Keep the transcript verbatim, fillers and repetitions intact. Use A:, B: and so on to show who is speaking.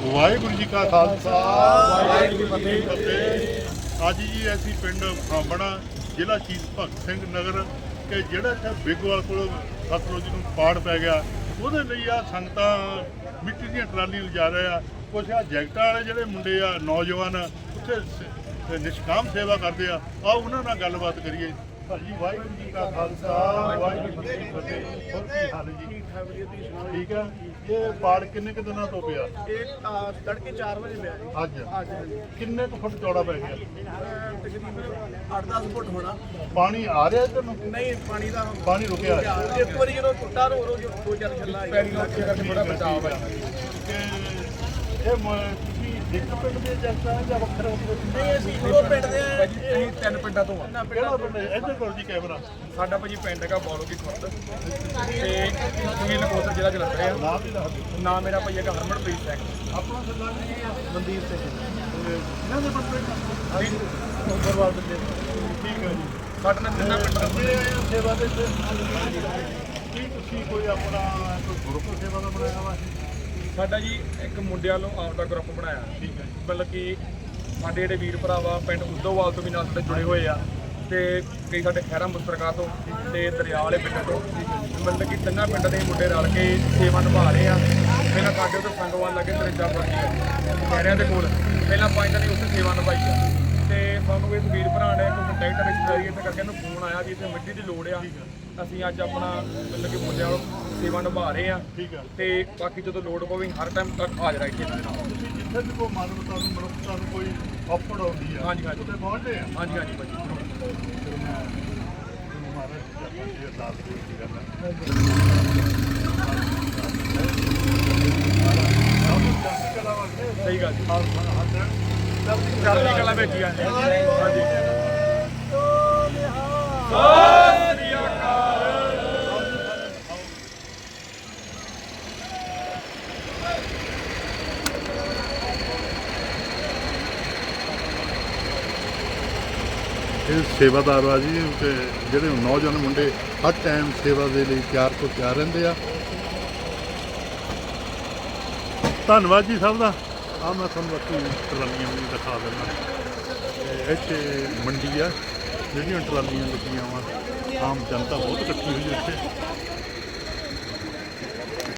A: ਵਾਹਿਗੁਰੂ ਜੀ ਕਾ ਖਾਲਸਾ ਵਾਹਿਗੁਰੂ ਜੀ ਕੀ ਫਤਿਹ। ਅੱਜ ਜੀ ਅਸੀਂ ਪਿੰਡ ਫਾਂਬਣਾ ਜ਼ਿਲ੍ਹਾ ਸ਼ਹੀਦ ਭਗਤ ਸਿੰਘ ਨਗਰ ਕਿ ਜਿਹੜਾ ਇੱਥੇ ਬਿੱਗੋਵਾਲ ਕੋਲ ਸਤਲੁਜ ਨੂੰ ਪਾੜ ਪੈ ਗਿਆ, ਉਹਦੇ ਲਈ ਆ ਸੰਗਤਾਂ ਮਿੱਟੀ ਦੀਆਂ ਟਰਾਲੀਆਂ ਲਿਜਾ ਰਹੇ ਆ। ਕੁਛ ਆ ਜੈਕਟਾਂ ਵਾਲੇ ਜਿਹੜੇ ਮੁੰਡੇ ਆ ਨੌਜਵਾਨ ਉੱਥੇ ਨਿਸ਼ਕਾਮ ਸੇਵਾ ਕਰਦੇ ਆ, ਆਓ ਉਹਨਾਂ ਨਾਲ ਗੱਲਬਾਤ ਕਰੀਏ। ਭਾਜੀ ਵਾਹਿਗੁਰੂ ਜੀ ਕਾ ਖਾਲਸਾ ਵਾਹਿਗੁਰੂ ਜੀ ਕੀ ਫਤਿਹ। ਹੋਰ ਕੀ ਹਾਲ ਹੈ ਜੀ? ਠੀਕ ਆ। ਇਹ ਪਾੜ ਕਿੰਨੇ ਕੁ ਦਿਨਾਂ ਤੋਂ ਪਿਆ?
B: ਇਹ ਤੜਕੇ ਚਾਰ ਵਜੇ ਪਿਆ ਜੀ।
A: ਅੱਜ ਕਿੰਨੇ ਕੁ ਫੁੱਟ ਚੌੜਾ ਪੈ ਗਿਆ?
B: ਤਕਰੀਬਨ ਅੱਠ ਦਸ ਫੁੱਟ ਹੋਣਾ।
A: ਪਾਣੀ ਆ ਰਿਹਾ ਇੱਧਰ ਨੂੰ?
B: ਨਹੀਂ, ਪਾਣੀ ਦਾ
A: ਪਾਣੀ ਰੁਕਿਆ ਹੈ।
B: ਇੱਕ ਵਾਰੀ ਜਦੋਂ ਟੁੱਟਾ ਰੋ ਰੋ ਦੋ ਚਾਰ ਛੱਲਾ ਆਈ ਪੈਰੀ ਲੱਗੇ ਕਰਕੇ ਬੜਾ ਬਚਾਅ ਹੈ।
A: ਇਹ ਮ- ਤੁਸੀਂ ਇੱਕ ਪਿੰਡ ਦੇ ਜਨਤਾ ਜਾਂ ਵੱਖਰੇ ਵੱਖਰੇ?
B: ਨਹੀਂ, ਅਸੀਂ ਦੋ ਪਿੰਡ ਦੇ ਆ।
C: ਅਸੀਂ ਤਿੰਨ ਪਿੰਡਾਂ ਤੋਂ ਆ।
A: ਕਿਹੜਾ ਪਿੰਡ ਹੈ? ਇੱਧਰ ਕਰੋ ਜੀ ਕੈਮਰਾ।
C: ਸਾਡਾ ਭਾਜੀ ਪਿੰਡ ਹੈਗਾ ਬੌਲੋਕੀ ਖੁਰਦ ਤੇ ਤਹਿਸੀਲ ਨਕੋਦਰ ਜ਼ਿਲ੍ਹਾ ਜਲੰਧਰ ਆ।
A: ਨਾਮ ਵੀ ਦੱਸ ਦਿਓ।
C: ਨਾਮ ਮੇਰਾ ਭਾਈ ਹੈਗਾ ਹਰਮਨਪ੍ਰੀਤ ਸਿੰਘ।
A: ਆਪਣਾ ਸਰਦਾਰ ਜੀ ਕੀ ਆ?
C: ਮਨਦੀਪ ਸਿੰਘ
A: ਇਹਨਾਂ ਦੇ ਬੰਦੇ
C: ਹਾਂਜੀ
A: ਉਮਰਵਾਦ ਦੇ। ਠੀਕ ਹੈ ਜੀ।
C: ਸਾਡੇ ਨਾਲ ਤਿੰਨਾਂ ਪਿੰਡਾਂ ਦਾ
A: ਇਹ ਆਏ ਹੋ ਸੇਵਾ ਦੇ ਤੇ ਕੀ ਤੁਸੀਂ ਕੋਈ ਆਪਣਾ ਕੋਈ ਗਰੁੱਪ ਸੇਵਾ ਦਾ ਬਣਾਇਆ ਵਾ?
C: ਸਾਡਾ ਜੀ ਇੱਕ ਮੁੰਡਿਆਂ ਨੂੰ ਆਪਦਾ ਗਰੁੱਪ ਬਣਾਇਆ।
A: ਠੀਕ ਹੈ।
C: ਮਤਲਬ ਕਿ ਸਾਡੇ ਜਿਹੜੇ ਵੀਰ ਭਰਾਵਾ ਪਿੰਡ ਉਦੋਵਾਲ ਤੋਂ ਵੀ ਨਾਲ ਸਾਡੇ ਜੁੜੇ ਹੋਏ ਆ ਤੇ ਕਈ ਸਾਡੇ ਖਹਿਰਾ ਮੁਸਤਰਕਾ ਤੋਂ ਤੇ ਦਰਿਆ ਵਾਲੇ ਪਿੰਡ ਤੋਂ। ਮਤਲਬ ਕਿ ਤਿੰਨਾਂ ਪਿੰਡਾਂ ਦੇ ਮੁੰਡੇ ਰਲ ਕੇ ਸੇਵਾ ਨਿਭਾ ਰਹੇ ਆ। ਪਹਿਲਾਂ ਸਾਡੇ ਉੱਤੇ ਸੰਗਵਾਨ ਲੱਗੇ ਤਰੇਜਾ ਵਰਗੀ ਆ ਖਹਿਰਿਆਂ ਦੇ ਕੋਲ, ਪਹਿਲਾਂ ਪੰਜ ਦਿਨ ਉੱਥੇ ਸੇਵਾ ਨਿਭਾਈ ਆ ਤੇ ਸਾਨੂੰ ਇਸ ਵੀਰ ਭਰਾ ਨੇ ਕੋਈ ਕੰਟੈਕਟ ਰਿਸ਼ਤੇਦਾਰੀ ਇੱਥੇ ਕਰਕੇ ਇਹਨੂੰ ਫੋਨ ਆਇਆ ਵੀ ਇੱਥੇ ਮਿੱਟੀ ਦੀ ਲੋੜ ਆ। ਅਸੀਂ ਅੱਜ ਆਪਣਾ ਮਤਲਬ ਕਿ ਮੁੰਡਿਆਂ ਨੂੰ ਸੇਵਾ ਨਿਭਾ ਰਹੇ ਆ
A: ਠੀਕ ਹੈ।
C: ਤੇ ਬਾਕੀ ਜਦੋਂ ਲੋੜ ਪਵੇ ਹਰ ਟਾਈਮ ਤੱਕ ਹਾਜ਼ਰ ਆ ਇੱਥੇ ਇਹਨਾਂ ਦੇ ਨਾਲ।
A: ਤੁਸੀਂ ਜਿੱਥੇ ਵੀ ਕੋਈ ਮਾਨਵਤਾ ਨੂੰ ਮਨੁੱਖਤਾ ਨੂੰ ਕੋਈ ਔਪੜ ਆਉਂਦੀ ਆ,
C: ਹਾਂਜੀ, ਹਾਂਜੀ।
A: ਉੱਥੇ ਪਹੁੰਚਦੇ ਆ।
C: ਹਾਂਜੀ ਹਾਂਜੀ ਭਾਜੀ
A: ਮਹਾਰਾਜ ਜੀ ਅਰਦਾਸ ਬੇਨਤੀ ਕਰਨਾ।
C: ਸਹੀ ਗੱਲ ਜੀ।
A: ਚੜ੍ਹਦੀ
C: ਚੜ੍ਹਦੀ ਕਲਾ ਵਿੱਚ ਹੀ ਆ ਜੀ। ਹਾਂਜੀ
A: ਇਹ ਸੇਵਾਦਾਰ ਆ ਜੀ ਤੇ ਜਿਹੜੇ ਨੌਜਵਾਨ ਮੁੰਡੇ ਹਰ ਟਾਈਮ ਸੇਵਾ ਦੇ ਲਈ ਤਿਆਰ ਤੋਂ ਤਿਆਰ ਰਹਿੰਦੇ ਆ। ਧੰਨਵਾਦ ਜੀ ਸਭ ਦਾ। ਆ ਮੈਂ ਤੁਹਾਨੂੰ ਬਾਕੀ ਟਰਾਲੀਆਂ ਵੀ ਦਿਖਾ ਦਿੰਦਾ। ਇੱਥੇ ਮੰਡੀ ਆ, ਜਿਹੜੀਆਂ ਟਰਾਲੀਆਂ ਲੱਗੀਆਂ ਵਾ, ਆਮ ਜਨਤਾ ਬਹੁਤ ਇਕੱਠੀ ਹੋਈ ਇੱਥੇ।